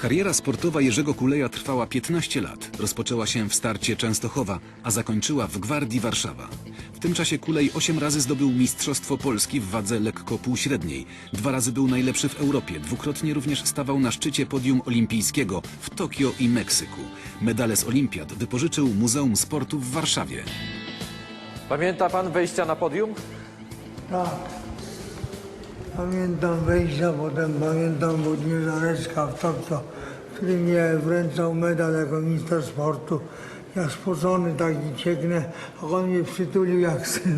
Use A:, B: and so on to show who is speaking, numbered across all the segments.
A: Kariera sportowa Jerzego Kuleja trwała 15 lat. Rozpoczęła się w starcie Częstochowa, a zakończyła w Gwardii Warszawa. W tym czasie Kulej 8 razy zdobył Mistrzostwo Polski w wadze lekko półśredniej. 2 razy był najlepszy w Europie. Dwukrotnie również stawał na szczycie podium olimpijskiego w Tokio i Meksyku. Medale z olimpiad wypożyczył Muzeum Sportu w Warszawie.
B: Pamięta pan wejścia na podium?
C: Tak. Pamiętam wejścia, potem pamiętam Włodzimierza Leszka w Tokio, który mnie wręczał medal jako minister sportu. Ja spocony taki cieknę, a on mnie przytulił jak syna.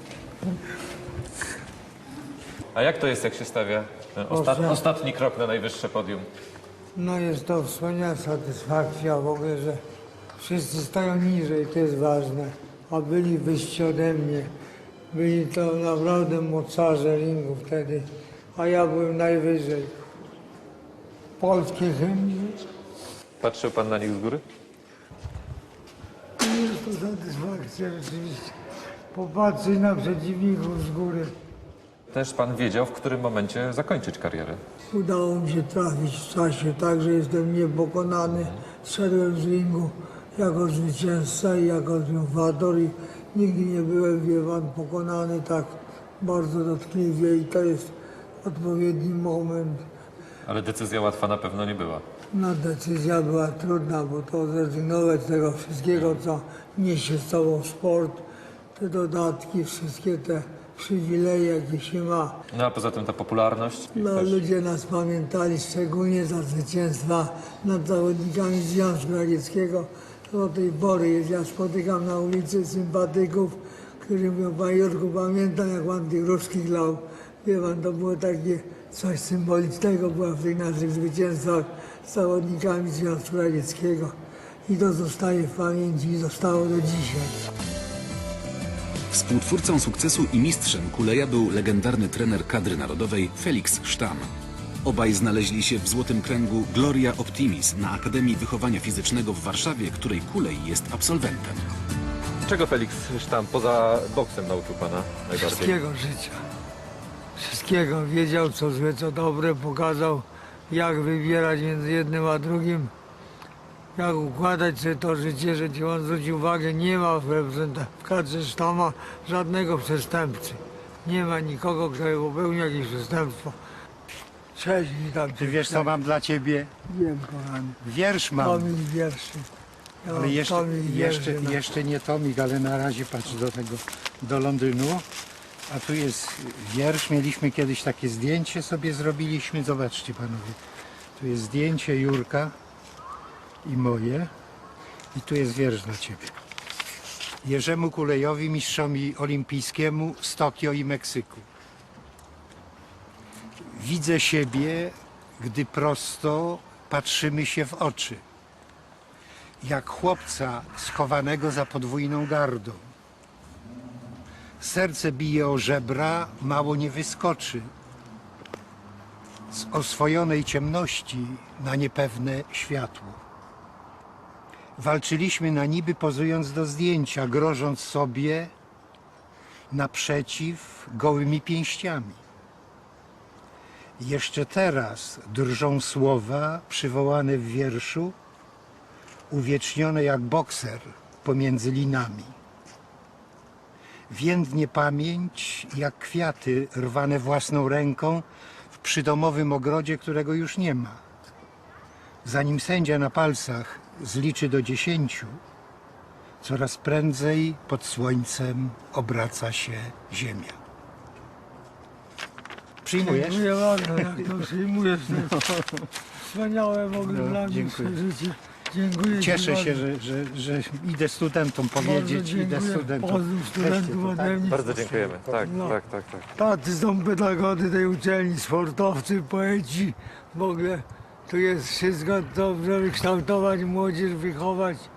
B: A jak to jest, jak się stawia ten ostatni krok na najwyższe podium?
C: No jest to wspaniała satysfakcja w ogóle, że wszyscy stają niżej, to jest ważne, a byli wyżsi ode mnie. Byli to naprawdę mocarze ringu wtedy, a ja byłem najwyżej. Polskie hymny.
B: Patrzył pan na nich z góry?
C: Jest to satysfakcja rzeczywiście. Popatrzeć na przeciwników z góry.
B: Też pan wiedział, w którym momencie zakończyć karierę.
C: Udało mi się trafić w czasie, tak że jestem niepokonany. Szedłem z ringu jako zwycięzca i jako triumfator i nigdy nie byłem, wie pan, pokonany tak bardzo dotkliwie i to jest odpowiedni moment.
B: Ale decyzja łatwa na pewno nie była.
C: No decyzja była trudna, bo to zrezygnować z tego wszystkiego, co niesie z sobą sport, te dodatki, wszystkie te przywileje, jakie się ma.
B: No a poza tym ta popularność.
C: No,
B: też.
C: ludzie nas pamiętali szczególnie za zwycięstwa nad zawodnikami Związku Radzieckiego. Do tej pory jest. Ja spotykam na ulicy sympatyków, którzy mówią: panie Jurku, pamiętam, jak pan tych ruskich lał. Wie pan, to było takie coś symbolicznego była w tych naszych zwycięstwach z zawodnikami Związku Radzieckiego. I to zostaje w pamięci i zostało do dzisiaj.
A: Współtwórcą sukcesu i mistrzem Kuleja był legendarny trener kadry narodowej Felix Sztam. Obaj znaleźli się w złotym kręgu Gloria Optimis na Akademii Wychowania Fizycznego w Warszawie, której Kulej jest absolwentem.
B: Czego Felix Sztam poza boksem nauczył pana najbardziej?
C: Wszystkiego życia. Wszystkiego. Wiedział, co złe, co dobre. Pokazał, jak wybierać między jednym a drugim. Jak układać sobie to życie, że ci on zwróci uwagę, nie ma w kadrze Sztama żadnego przestępcy. Nie ma nikogo, kto popełnił jakieś przestępstwo. Cześć, witam cię.
D: Ty wiesz, co mam dla ciebie?
C: Wiem, kochany.
D: Wiersz mam.
C: Tomik wierszy. Ja mam
D: Ale
C: tomik wierszy, no.
D: jeszcze nie tomik, ale na razie patrz do Londynu. A tu jest wiersz. Mieliśmy kiedyś takie zdjęcie sobie zrobiliśmy. Zobaczcie panowie. Tu jest zdjęcie Jurka i moje. I tu jest wiersz dla ciebie. Jerzemu Kulejowi, mistrzowi olimpijskiemu z Tokio i Meksyku. Widzę siebie, gdy prosto patrzymy się w oczy. Jak chłopca schowanego za podwójną gardą. Serce bije o żebra, mało nie wyskoczy. Z oswojonej ciemności na niepewne światło. Walczyliśmy na niby, pozując do zdjęcia, grożąc sobie naprzeciw gołymi pięściami. Jeszcze teraz drżą słowa przywołane w wierszu, uwiecznione jak bokser pomiędzy linami. Więdnie pamięć jak kwiaty rwane własną ręką w przydomowym ogrodzie, którego już nie ma. Zanim sędzia na palcach zliczy do 10, coraz prędzej pod słońcem obraca się ziemia. Przyjmujesz?
C: Dziękuję bardzo, jak to przyjmujesz. Wspaniałe w ogóle dla mnie
D: dziękuję.
C: przeżycie. Dziękuję ci
D: Cieszę się,
C: bardzo.
D: że idę studentom powiedzieć,
C: Bardzo
D: idę
C: dziękuję.
D: studentom.
C: Pozdrów studentów ode mnie.
B: Bardzo dziękujemy. Tak,
C: No.
B: tak.
C: Tacy są pedagodzy tej uczelni, sportowcy, poeci. W ogóle tu jest wszystko, to żeby kształtować młodzież, wychować.